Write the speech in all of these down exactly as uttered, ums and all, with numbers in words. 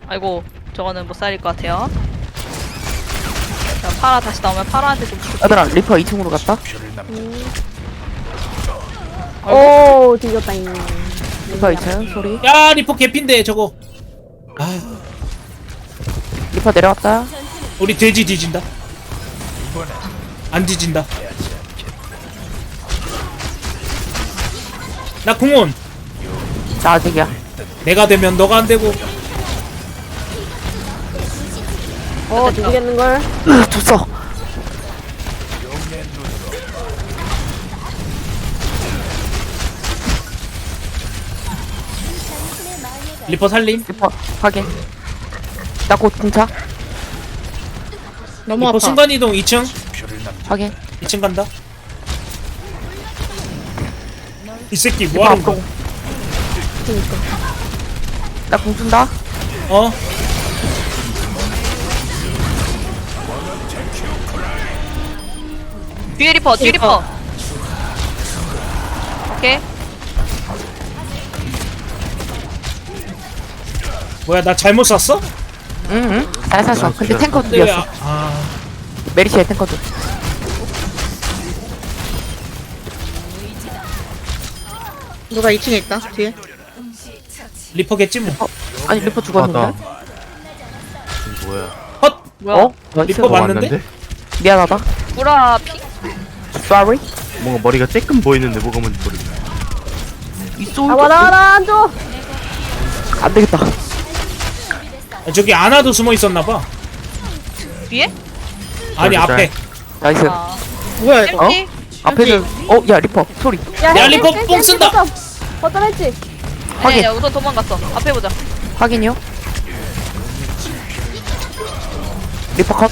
아이고 저거는 못 살릴 것 같아요. 자, 파라 다시 나오면 파라한테 좀 부탁- 얘들아 리퍼 이 층으로 갔다. 오 뒤졌다 이 리퍼 이 층 소리. 야 리포 개핀데 저거. 아 리퍼 내려왔다. 우리 돼지 뒤진다. 안 뒤진다. 나 궁원. 나 아직이야. 내가 되면 너가 안 되고. 어 뒤지겠는걸. 으, 졌어. 리포 살림. 리퍼 확인. 나 곧 공차. 너무 리포 아파. 순간이동 이 층. 확인. 이 층 간다. 이 새끼 리퍼 뭐하는 앞으로. 거야? 나 공준다. 어? 뒤에 리퍼 뒤에 리퍼. 오케이. 뭐야 나 잘못 샀어? 응응. 잘 샀어. 근데 탱커 근데 왜 둘이었어. 아, 아 메리시의 탱커 둘. 누가 이 층에 있다 뒤에. 리퍼겠지 뭐. 어? 아니 리퍼 죽었는데? 뭐야? 헛! 뭐야? 어? 나이스. 리퍼 맞는데? 미안하다. 구라 피. Sorry. 뭔가 머리가 쬐끔 보이는데 뭐가 뭔지 모르겠어. 있어. 아 와라 안줘. 안 되겠다. 아, 저기 아나도 숨어 있었나봐. 뒤에? 아니 짤, 짤. 앞에. 나이스. 아. 뭐야 이거? 어? 햄찌? 앞에는 어? 야 리퍼 소리. 야 야, 햄찌, 리퍼 햄찌, 뽕 햄찌 쓴다. 거점. 거점 했지. 확인. 아니야 우선 도망갔어. 앞에 보자. 확인이요. 리퍼 컷.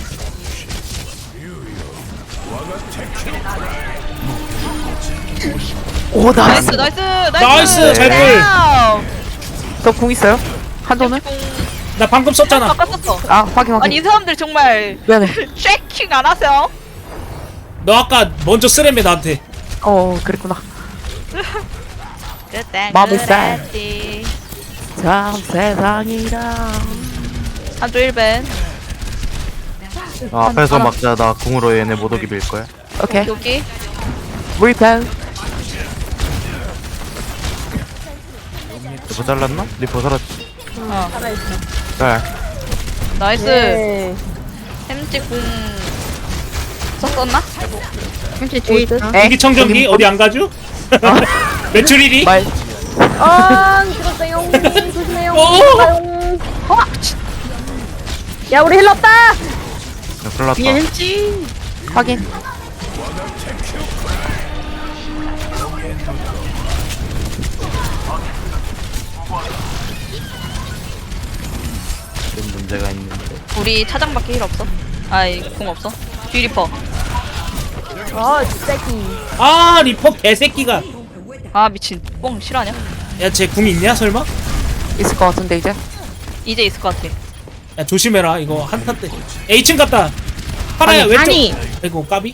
오 나이스. 나이스 나이스 나이스, 나이스. 잘 볼. 저궁 있어요? 한도는? 나 방금 썼잖아. 바꿨었어. 아 확인 확인. 아니 이 사람들 정말 미안해. 쉐킹 안 하세요? 너 아까 먼저 쓰레매 나한테. 어 그랬구나. 그땐 마음이 쌀. 그랬지. 참 세상이라. 한조 일 벤. 아, 앞에서 막자. 나 궁으로 얘네 못 오게 밀 거야. 오케이. 여기 리퍼. 리퍼 잘랐나? 리퍼 살았지. 어 짤. 나이스. 네. 햄찌 궁 썼었나? 햄찌 뒤에 있다. 에? 이기 청정기 어디 안 가죠? 매출일이? 말. 아 죽었어요. 조심해요. 오! 가용. 야 우리 힐러 없다. 야, 큰일 뒤에 났다. 햄찌. 확인. 좀 문제가 있는데. 우리 차장밖에 힐 없어. 아이 궁 없어. 뒤 리퍼. 아 쥐새끼. 아 리퍼 개새끼가. 아 미친. 뽕 실화냐? 야 쟤 궁 있냐 설마? 있을 것 같은데 이제. 이제 있을 것 같아. 야 조심해라 이거 한타 때. 에이 층 갔다. 파라야 아니, 왼쪽. 아니. 아이고 까비.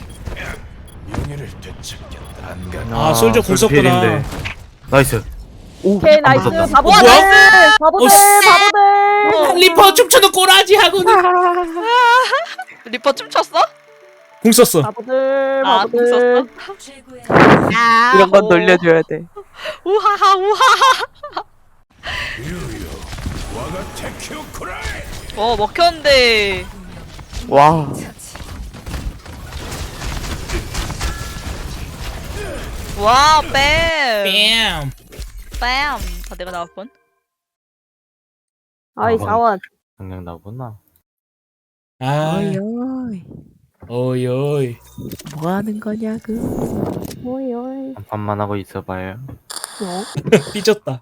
아, 솔저 궁 썼구나. 필인데. 나이스. 오. 오케이 안 나이스. 맞았다. 바보들. 뭐야? 바보들. 어, 씨. 바보들. 리퍼 춤추는 꼬라지 하고는 리퍼 춤췄어? 궁 썼어. 바보들. 아, 궁 바보들. 아, 이런 건 오. 놀려줘야 돼. 우하하 우하하. 어 먹혔는데. 와. 와 뺨. 뺨. 뺨. 아 내가 나올 뻔. 아이 사원. 그냥 나구나. 아 어이 어이. 어이 어이. 뭐 하는 거냐고. 오이 오이. 한 판만 하고 있어봐요. 어? 삐졌다.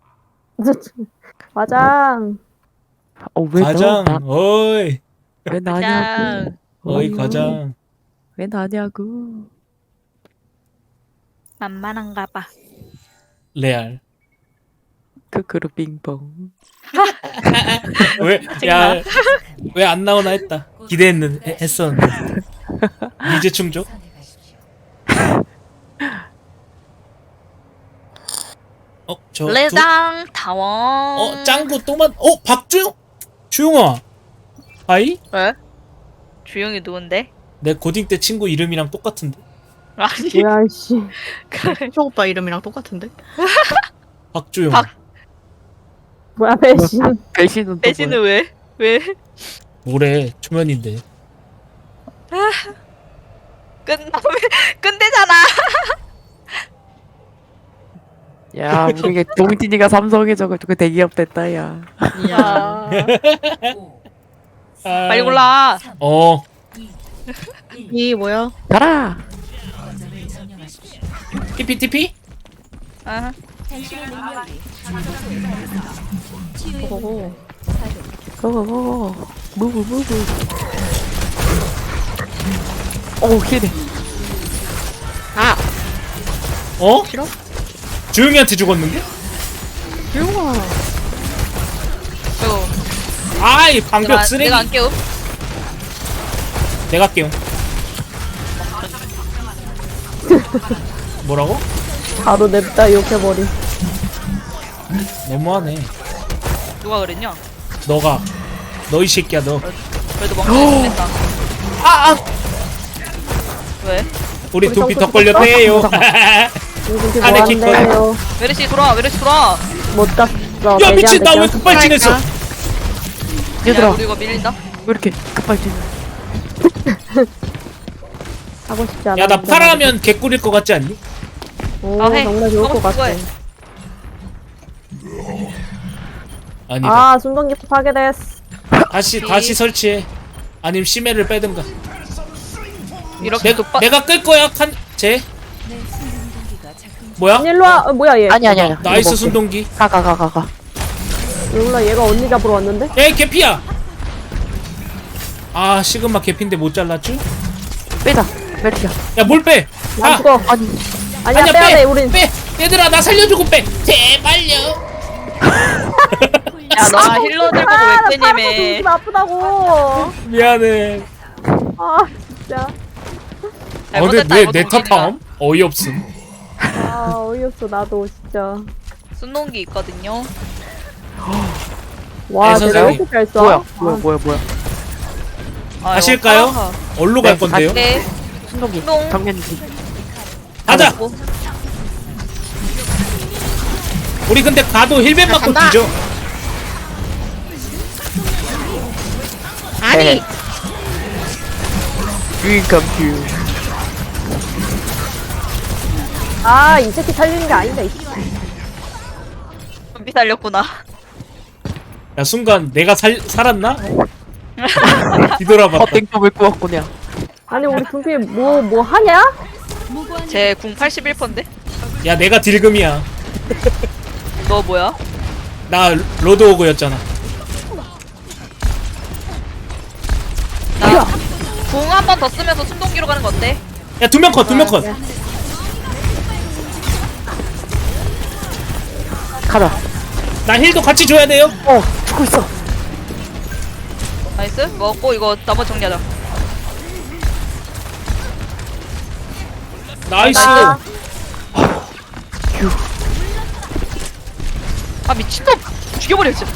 과장. 어왜 과장. 너? 나, 어이. 왜 나냐고. 짱. 어이 과장. 왜 나냐고. 만만한가 봐. 레알. 크크루 빙봉. 왜? 야. 왜 안 나오나 했다. 기대했는 해- 했었는데. 이제 충족. 어, 저 두- 레장 타원. 어, 짱구 또만. 어, 박주영. 주용아. 하이? 왜? 주영이 누군데? 내 고딩 때 친구 이름이랑 똑같은데. 아니 뭐야 씨. 초 오빠 이름이랑 똑같은데? 박주용. 박- 뭐야 배신. 배신은 또 대신은 왜? 왜? 뭐래? 초면인데. 끝나 끝내잖아. 뭐야? 야, 우리 동진이가 삼성에 저거 대기업 됐다 야. 이야. 아, 아, 빨리 골라. 어. 이 뭐야? 가라. 티피 티피? 아, 오. 고고고. 무브 무브. 오 히네. 아 어? 싫어? 주용이한테 죽었는데? 주용아. 저 아이 방벽 내가 쓰레기. 내가 안 깨움. 내가 깨용. 뭐라고? 바로 냅다 욕해버리. 너무하네. 누가 그랬냐? 너가. 너 이 새끼야 너. 그래도 멍청이 끝냈다. 아, 아. 왜? 우리 우리 두피 점프 더 걸렸대요. 이렇게 안에 킥 뭐한대요. 메르시 돌아, 메르시 돌아. 못 갔어. 야 미친 나 왜 돼지한테 급발진했어? 야, 얘들아 우리 이거 밀린다. 왜 이렇게 급발진? 하고 싶지 않아. 야 나 파라하면 개꿀일 것 같지 않니? 오 아, 해. 정말 좋을 하고 것 싶은 거 같아. 해. 아니다. 아 순간기 파괴됐어. 다시 다시 설치해. 아니면 심해를 빼든가. 이렇게 내, 급발. 내가 끌 거야 칸 쟤. 뭐야? 일로 와. 어, 뭐야 얘. 아니 아니 아니. 나이스 순동기. 가가 가 가 가. 몰라 얘가 언니 잡으러 왔는데. 에이 개피야. 아 시그마 개피인데 못 잘랐죠? 빼자. 메리야. 야 뭘 빼? 안 아 죽어. 아니. 아니야 아니야 빼야 빼. 돼 우린. 빼. 얘들아 나 살려주고 빼. 제발요. 야, 너 힐러 들고 왜 빼냐며. 좀 아프다고. 미안해. 아 진짜. 어 근데 잘못했다, 왜 이거 내 동진이가. 탓함? 어이없음. 아 어이없어 나도 진짜. 순동기 있거든요. 와 네, 내가 선생님. 이렇게 잘 써. 뭐야 뭐야 뭐야 뭐야. 아, 가실까요? 이거 파라가. 어디로 갈 건데요? 네. 순동기. 똥. 정면이지. 가자. 뭐, 우리 근데 가도 힐벤 맞고 간다. 뒤져. 아니. Dream come true. 아이 새끼 살리는 게 아닌데. 이 좀비 살렸구나. 야 순간 내가 살 살았나? 뒤돌아봤다. 헛땡tom을 꾸었구냐. 아니 우리 분필 뭐 뭐 하냐? 제 궁 팔십일 퍼센트인데? 야 내가 딜금이야. 너 뭐야? 나 로드오그였잖아. 나 궁 한 번 더 쓰면서 순동기로 가는 거 어때? 야 두 명 컷, 두 명 컷. 가자. 나 힐도 같이 줘야 돼요. 어 죽고 있어. 나이스. 먹고 이거 나머지 정리하자. 나이스. 나. 아 미친놈! 죽여버려 진짜.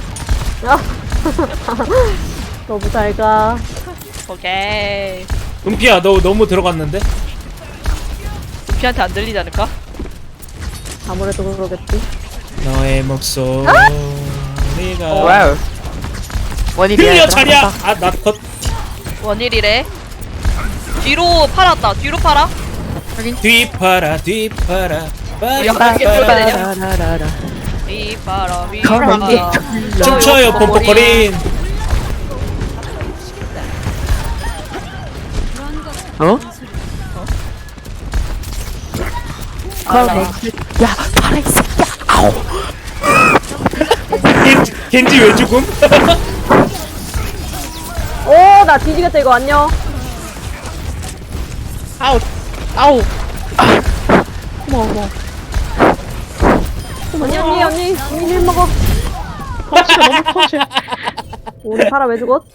너무 잘 가. 오케이. 은피야 너 너무 들어갔는데? 루피한테 안 들리지 않을까? 아무래도 그러겠지. 너의 목소리가 와우. 원일이야. 들려 얘들아. 차려. 아나 컷. 원일이래. 뒤로 팔았다. 뒤로 팔아. 뒤파라 뒤파라. 야, 빠라, 이게 빠라. 뭐가 되냐? 라라라라. 위파라 가만히 위파라. 춤춰요 pompocorin. 어? 가만히. 야 파라 이 새끼야. 아우. 겐지, 겐지 왜 죽음? 오 나 뒤지겠다 이거 안녕. 아우. 아우. 어머 어머. 언니 언니 언니 언니 힐 먹어. 터치가 너무 터치. 우리 파라 왜 죽었?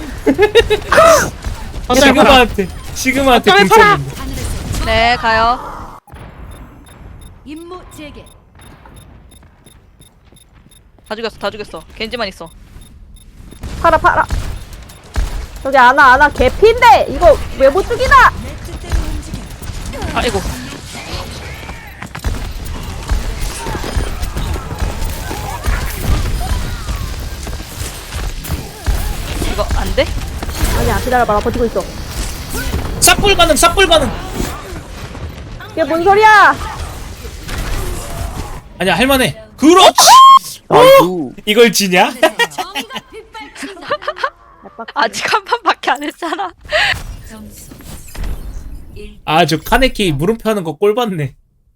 시그마한테 시그마한테 어쩌면 궁 팔아. 쳤는데. 네 가요. 임무 재개. 다 죽였어 다 죽였어. 겐지만 있어. 팔아 팔아. 저기 아나 아나 개피인데 이거 왜 못 죽이나? 아이고. 이거 안 돼? 아니야 기다려봐 나 버티고 있어. 싹불 가능 싹불 가능. 이게 뭔 소리야? 아니야 할만해. 그렇지. 아이고. 이걸 지냐? 정의가 빗발친다. 아직 한 판밖에 안 했잖아. 점수 아주 카네키 물음표 하는 거 꼴 봤네.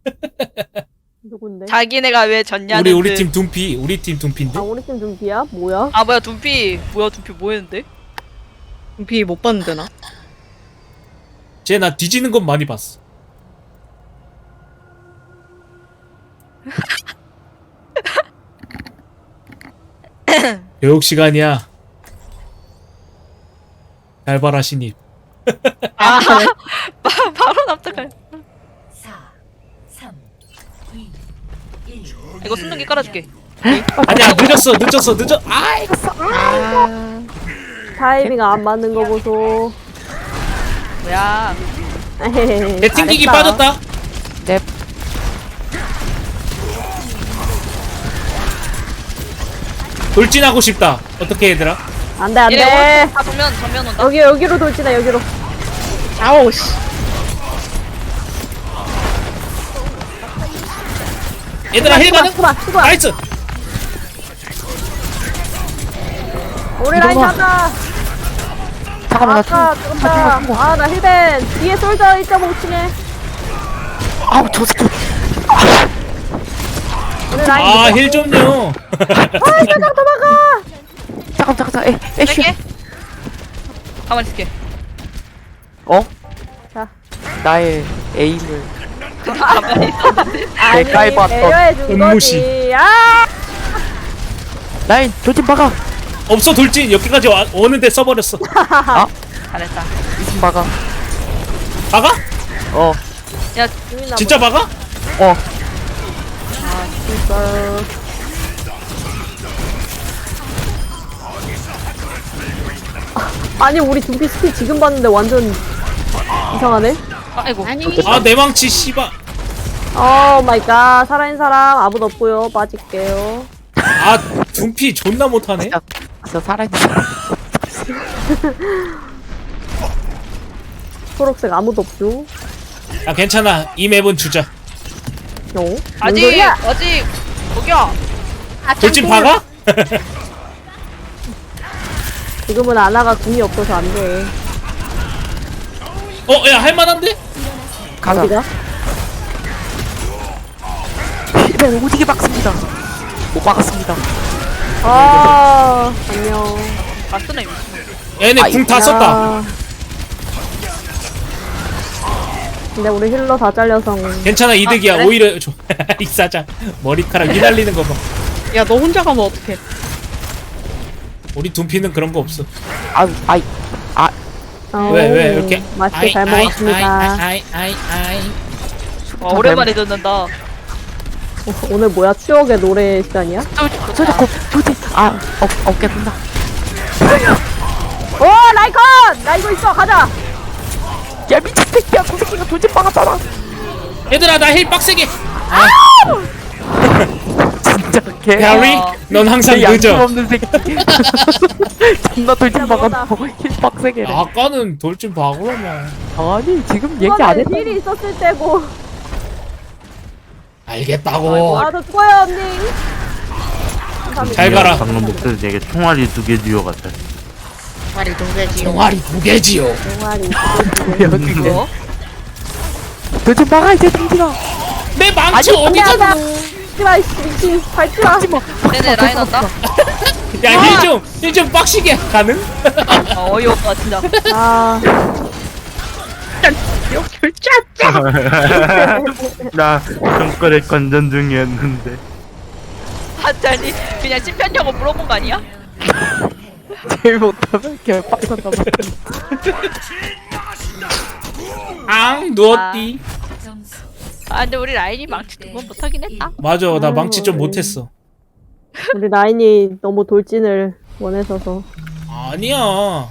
누군데? 자기네가 왜 졌냐는 우리 우리 듯. 팀 둠피 우리 팀 둠피인데. 아 우리 팀 준비야? 뭐야? 아 뭐야 둠피 뭐야 둠피 뭐 했는데? 비 못 봤는데 나. 쟤 나 뒤지는 건 많이 봤어. 교육 시간이야. 잘 봐라 신입. 아 바- 바로 납득할. 사, 삼, 이, 일. 이거 순둥이 깔아줄게. 아니야 늦었어 늦었어 늦어. 아이 아, 타이밍 안 맞는 거 보소. 뭐야? 내 튕기기 잘했어. 빠졌다. 넵. 돌진하고 싶다. 어떻게 얘들아? 안돼 안돼. 얘네 아 정면 정면 온다. 여기 여기로 돌진해 여기로. 아우 씨. 얘들아 힐 가능? 수바 수바. 나이스. 우리 라인 이거 봐. 잡아. 잠깐만 나 아까 총. 죽었다. 아나 힐벤 뒤에 솔져 일 점 오 층에. 아우 저 새끼. 우리 라인. 아 힐 좀요. 살짝 도망가. 잠깐 잠깐 잠깐. 에 에슈. 뺄게. 가만히 있을게. 어? 자. 나의 에임을. 가만히 있었는데. 아니 대가리 봤던 배려해 준 음무시. 거지. 아. 라인 돌진 박아. 없어 돌진 여기까지 와, 오는데 써버렸어. 잘했다. 이승 박아. 박아? 어. 야 죽이나 진짜 박아? 어. 보다. 아니 우리 둠피 스킬 지금 봤는데 완전 이상하네. 아이고. 아니. 아 내 망치 씨발. 오 마이 갓. 살아있는 사람 아무도 없고요. 빠질게요. 아 둠피 존나 못하네. 진짜 진짜 살아있는 사람. 초록색 아무도 없죠. 아 괜찮아 이 맵은 주자. 어? 뭔 아직 소리야? 아직 거기야. 돌진 박아? 지금은 아나가 궁이 없어서 안 돼. 어 야 할만한데? 가자. 어디가? 힐벤 오지게 박습니다. 못 박았습니다. 아 안녕. 아 쓰네 미친. 얘네 궁 다 썼다. 야. 근데 우리 힐러 다 잘려서 괜찮아 이득이야. 아, 그래? 오히려 저- 이 사장 머리카락 휘날리는 거 봐. 야 너 혼자 가면 어떡해? 우리 둠피는 그런 거 없어. 아우 아이. 아 왜 왜 이렇게? 맛있게 잘 아이, 먹었습니다. 아이 아이 아이 아이. 와 오랜만에 듣는다. 어, 오늘 뭐야 추억의 노래 시간이야? 저, 저 자꾸 돌진. 아 어, 어깨 된다. 오 라이컨! 나 이거 있어 가자. 야 미친 새끼야. 저 새끼가 돌진 박았잖아. 얘들아 나 힐 빡세게. 진짜 개. 베리 넌 항상 개 양심 늦어. 없는 새끼. 존나 돌진 박았고 힐 빡세게. 아까는 돌진 박으라며. 아니 지금 얘기 안 이번에 했다. 힐이 있었을 때고. 알겠다고. 아저 죽어요 언니. 잘 가라. 방금 목소리 되게 총알이 두 개 듀오 같아. 말이 동대지. 종아리 두 개지요. 동아리. 여기 뭐? 돌진 박아 이제 돌진아. 내 망치 어디 야, 갔어? 나 씨발 미친 밟지마. 네네 라인 온다. 야힐 좀 힐 좀 빡시게 가능? 어, 어이없다 진짜. 아 나 정거래 건전 중이었는데. 하자니 그냥 찐편냐고 물어본 거 아니야? 제일 못하면 개 빡쳤나 봐. 앙 누웠디. 점수 아 근데 우리 라인이 망치 두 번 못하긴 했다. 맞아 나 아유, 망치 좀 어이. 못했어. 우리 라인이 너무 돌진을 원해서서. 아니야.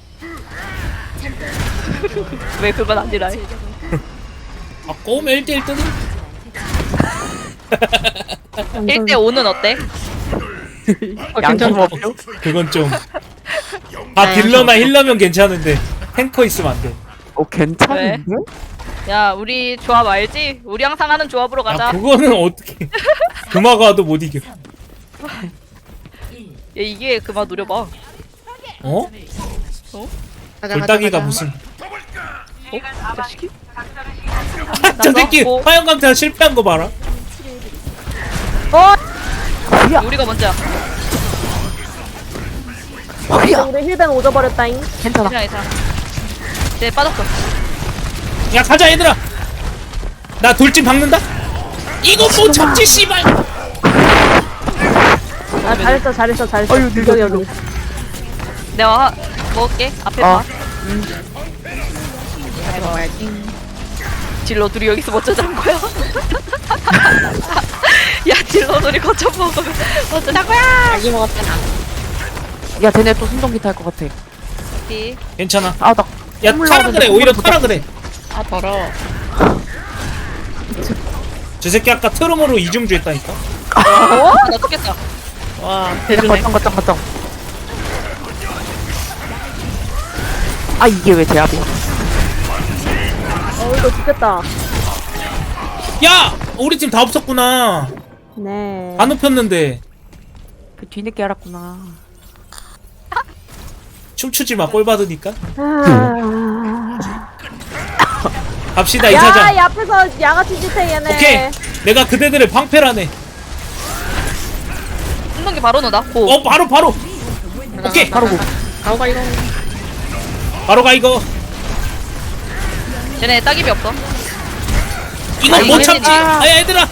왜 그건 아니라 해? 아 꼬우면 일 대일 뜨는. 일 대 오는 어때? 어, 양심 괜찮다. 없죠? 그건 좀. 아 딜러나 힐러면 괜찮은데 탱커 있으면 안 돼. 어 괜찮은데? 야 우리 조합 알지? 우리 항상 하는 조합으로 야 가자. 그거는 어떻게? 금화가도 못 이겨. 야 이게 그만 노려봐. 어? 가자, 가자, 돌따기가 가자. 무슨? 어? 자식이? 저 새끼 뭐? 화염강타 실패한 거 봐라. 우리가 먼저야. 어이야. 우리 힐벤 오져버렸다잉. 괜찮아. 그냥 이상. 쟤 빠졌어. 야 가자 얘들아. 나 돌진 박는다. 이거 못 참지 씨발. 아 잘했어 잘했어 잘했어. 어휴, 늙어, 여기 여기. 내가 하, 먹을게. 앞에 어. 봐. 잘 먹어야지. 딜러 둘이 여기서 뭐 어쩌자는 거야? 야 딜러 둘이 거쳐 먹으면 어쩌자는 거야? 자기 먹었잖아. 야 쟤네 또 순동기 탈 것 같아. 이 괜찮아. 아나 야 타라 그래. 오히려 타라 그래. 아, 더러워. 저 새끼 아까 트럼으로 이중주 했다니까. 어? 나 죽겠다. 와, 대주네. 거점 거점 거점. 아 이게 왜 제압이야? 어 이거 죽겠다. 야 우리 팀 다 없었구나. 네. 다 눕혔는데. 그 뒤늦게 알았구나. 춤추지 마. 꼴 받으니까. 아... 갑시다 야, 이사장. 이 앞에서 양아치 짓해 얘네. 오케이. 내가 그대들을 방패라네. 한번기 바로 넣어. 고. 어 바로 바로. 오케이. 바로 고. 가고 가, 이거. 바로 가 이거. 쟤네 따깁이 없어. 이거 못 참지. 아 얘들아.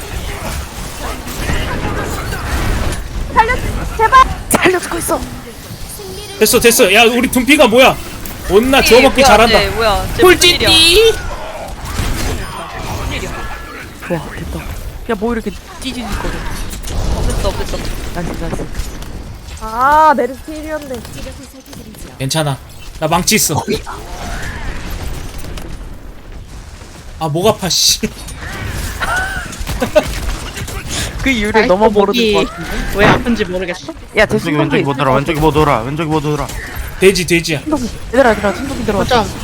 살려 제발. 살려주고 있어. 됐어 됐어. 야 우리 둠피가 뭐야? 온나 주워 먹기 뭐야, 잘한다. 쟤 뭐야? 쟤 무슨 일이야? 꿀찌띠. 좋아 됐다. 야 뭐 이렇게 찌질거려. 없었어 없었어. 나이스 나이스. 아 메르스 필이었네. 괜찮아. 나 망치 있어. 아 목 아파 씨. 그 이유를 아이고, 너무 모르는 목이 것 같은데. 왜 아픈지 모르겠어? 야쟤 왼쪽이 왼쪽이 못 돌아 왼쪽이 못 돌아 왼쪽이 못 돌아. 돼지 돼지야. 순동기. 얘들아 얘들아 순동기 들어왔어. 거점.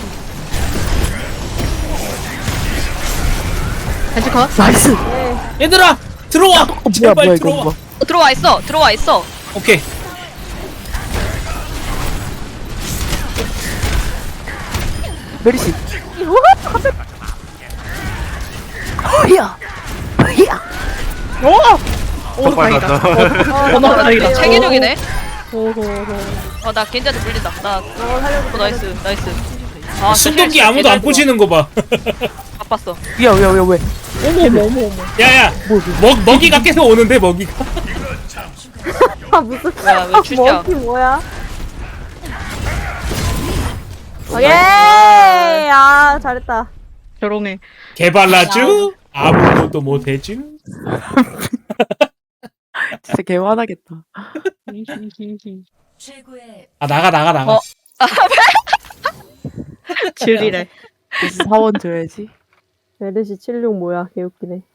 다시 컷. 나이스. 얘들아 들어와. 어 뭐야 제발 뭐야 이거 들어와. 뭐야. 어, 들어와 있어. 들어와 있어. 오케이. 메리시. 어이야. 어이야. 오, 빨리 다행이다. 갔다. 어, 너무 다행이다. 체계적이네. 호호호. 어 나 겐지한테 물린다. 나 어 살려줘. 어, 나이스 나이스. 아 순동기 아무도 안 꼬시는 거 봐. 바빴어. 야 왜 왜 왜? 어머, 어머, 어머. 야야. 뭐 먹 먹이가 계속 오는데 먹이가. 아 무슨 야, 왜 주시야? 먹기 뭐야? 예. 아 잘했다. 조롱해. 개발라주 아무것도 못해주. 진짜 개화나겠다. 최고의 아 나가 나가 나가. 어. 질리래. 사원 줘야지. 메르시 칠십육 뭐야 개웃기네.